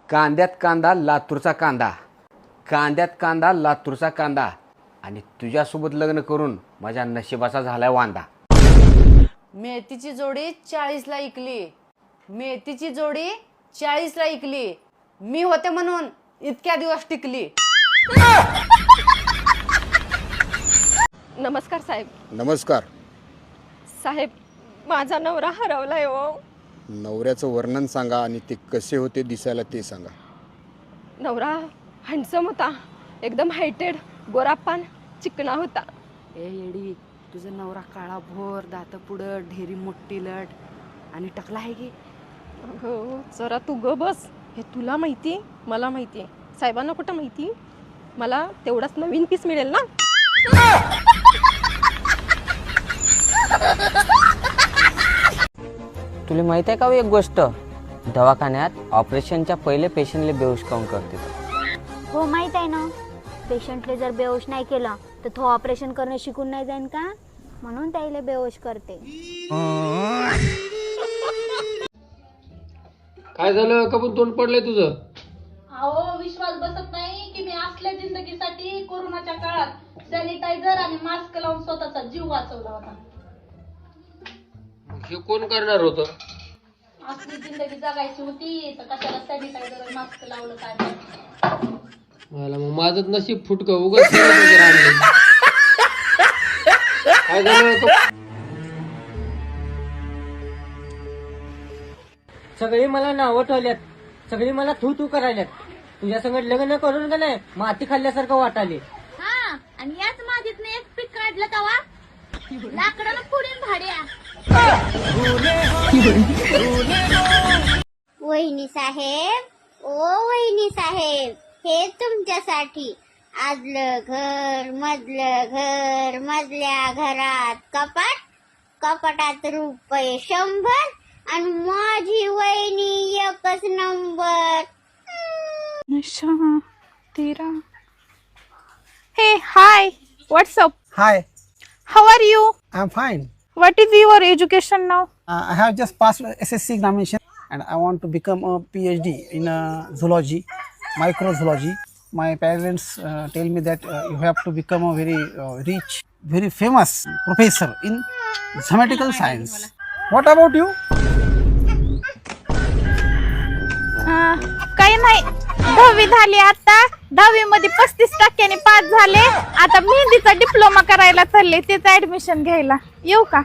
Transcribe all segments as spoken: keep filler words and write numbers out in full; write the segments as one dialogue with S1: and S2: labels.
S1: कांद्यात कांदा लातूरचा कांदा, कांद्यात कांदा लातूरचा कांदा, आणि तुझ्यासोबत लग्न करून माझ्या नशिबाचा झालाय वांदा.
S2: मेथीची जोडी चाळीसला इकली, मेथीची जोडी चाळीसला इकली, मी होते म्हणून इतक्या दिवस टिकली.
S3: नमस्कार साहेब.
S1: नमस्कार.
S3: साहेब, माझा नवरा हरवलाय हो.
S1: नवऱ्याचं वर्णन सांगा आणि ते कसे होते दिसायला ते सांगा.
S3: नवरा हँडसम होता, एकदम हायटेड, गोरापान, चिकना होता.
S2: ए येडी, तुझा नवरा काळा भोर, दात पुढं, ढेरी मोठी लट आणि टकला आहे की.
S3: हो, जरा तू ग बस. हे तुला माहिती, मला माहिती, साहेबांना कुठं माहिती. मला तेवढाच नवीन पीस मिळेल ना.
S4: तुला माहित आहे का एक गोष्ट, दवाखान्यात ऑपरेशनच्या पहिले पेशंटले बेहोश काऊन करते.
S5: हो माहित आहे ना, पेशंटले जर बेहोश नाही केलं तर तो ऑपरेशन करणं शिकून नाही जाईन का, म्हणून त्याला बेहोश करते.
S6: काय झालं, कबून तोंड पडलंय तुझं?
S7: अहो, विश्वास बसत नाही की मी असल्या जिंदगीसाठी कोरोनाच्या काळात सॅनिटायझर आणि मास्क लावून स्वतःचा जीव वाचवला होता.
S6: हे कोण करणार होतं?
S7: असली जिंदगी जगायची होती तर कशाला सॅनिटायझर आणि मास्क लावलं काय माहित.
S6: मला मग माझंच नशीब फुटकं उगाच सॅनिटायझर आणलं. काय झालं? कब-
S8: सगळी मला नावं ठेवल्यात, सगळी मला थू थू करायल्यात. तुझ्या संगत लग्न करून का नाही माती खाल्ल्यासारखं वाटाले.
S5: हा, आणि याच मातीतनं एक पीक काढलं तवा लाकडाला पुढील भाड्या. वहिनी साहेब, ओ वहिनी साहेब, हे तुमच्यासाठी. आजलं घर, मधलं घर, मधल्या घरात कपाट, कपाटात रुपये शंभर, आणि माझी वहिनी एकच नंबर.
S3: नशा तेरा. हे hi, WhatsApp.
S9: Hi,
S3: how are you?
S9: I'm fine.
S3: What is your education नाव?
S9: Uh, I have just passed S S C examination and I want to become a PhD in uh, zoology, microzoology. My parents uh, tell me that uh, you have to become a very uh, rich, very famous professor in mathematical science. What about you?
S3: काही नाही, दहावी झाली आता. दहावी मध्ये पस्तीस टक्क्यांनी pass झाले. आता मेहंदीचा डिप्लोमा करायला चालले, त्याचं ऍडमिशन घ्यायला. येऊ का?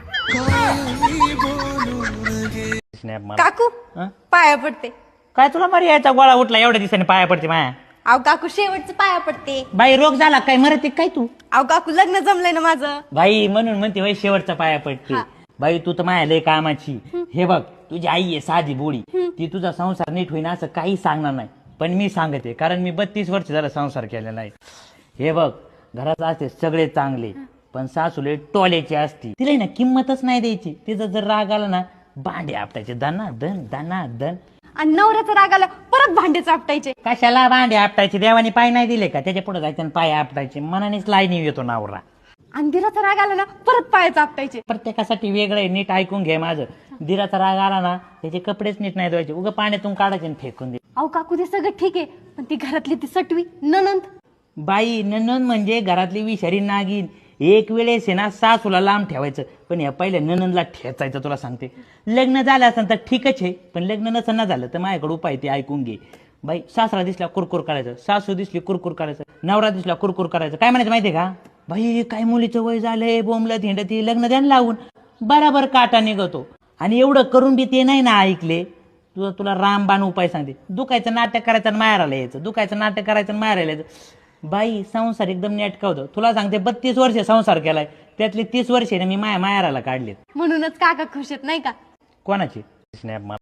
S3: काकू, पाया पडते.
S8: काय तुला मरी यायचा गोळा उठला एवढ्या दिवसाने पाया पडते माया?
S3: अहो काकू, शेवटचं पाया पडते.
S8: बाई रोग झाला काय, मरते काय तू?
S3: अहो काकू, लग्न जमलंय ना माझं.
S8: बाई म्हणून म्हणते बाई शेवटचा पाया पडते. बाई तू तर माया लय कामाची. हे बघ, तुझी आई आहे साधी बोळी, ती तुझा संसार नीट होईना असं काही सांगणार नाही, पण मी सांगते, कारण मी बत्तीस वर्ष झाला संसार केलेला आहे. हे बघ, घरात असते सगळे चांगले, पण सासूले टोल्याची असती. तिला ना किंमतच नाही द्यायची. तिचा जर राग आला ना, भांडे आपटायचे दाना दन दाना दन.
S3: आणि नवऱ्याचा राग आला परत भांडे चापटायचे.
S8: कशाला भांडे आपटायचे? देवाने पाय नाही दिले का? त्याच्या पुढे जायचं पाय आपटायचे. मनानेच लाईनी येतो नवरा.
S3: आणि दिराचा राग आला ना परत पाय चापटायचे.
S8: प्रत्येकासाठी वेगळं आहे, नीट ऐकून घे माझं. दिराचा राग आला ना, त्याचे कपडेच नीट नाही धुवायचे, उगा पाण्यातून काढायचे आणि फेकून दे.
S3: अहो काकू, ते सगळं ठीक आहे, पण ती घरातली ती सटवी ननंद.
S8: बाई ननंद म्हणजे घरातली विषारी नागिन. एक वेळेस आहे ना सासूला लांब ठेवायचं, पण या पहिल्या ननंदला ठेचायचं. तुला सांगते, लग्न झालं असं तर ठीकच आहे, पण लग्न नसं ना झालं तर माझ्याकडे उपाय ते ऐकून घे. बाई, सासरा दिसला कुरकुर करायचं, सासू दिसली कुरकुर करायचं, नवरा दिसला कुरकुर करायचं. काय म्हणायचं माहितीये का? बाई, काय मुलीचं वय झालंय, बोंबलत हिंडती, लग्न द्यायला लावून बराबर काटा निघतो. आणि एवढं करून बी ते नाही ना ऐकले. तुला तुला रामबाण उपाय सांगते. दुखायचं नाटक करायचं आणि मारायला यायचं, दुखायचं नाटक करायचं आणि मारायला यायचं. बाई, संसार एकदम नेटका होतं. तुला सांगते, बत्तीस वर्ष संसार केलाय, त्यातली तीस वर्षे मी माया मायाराला काढलेत.
S3: म्हणूनच काका खुश आहेत नाही का?
S8: कोणाची स्नॅप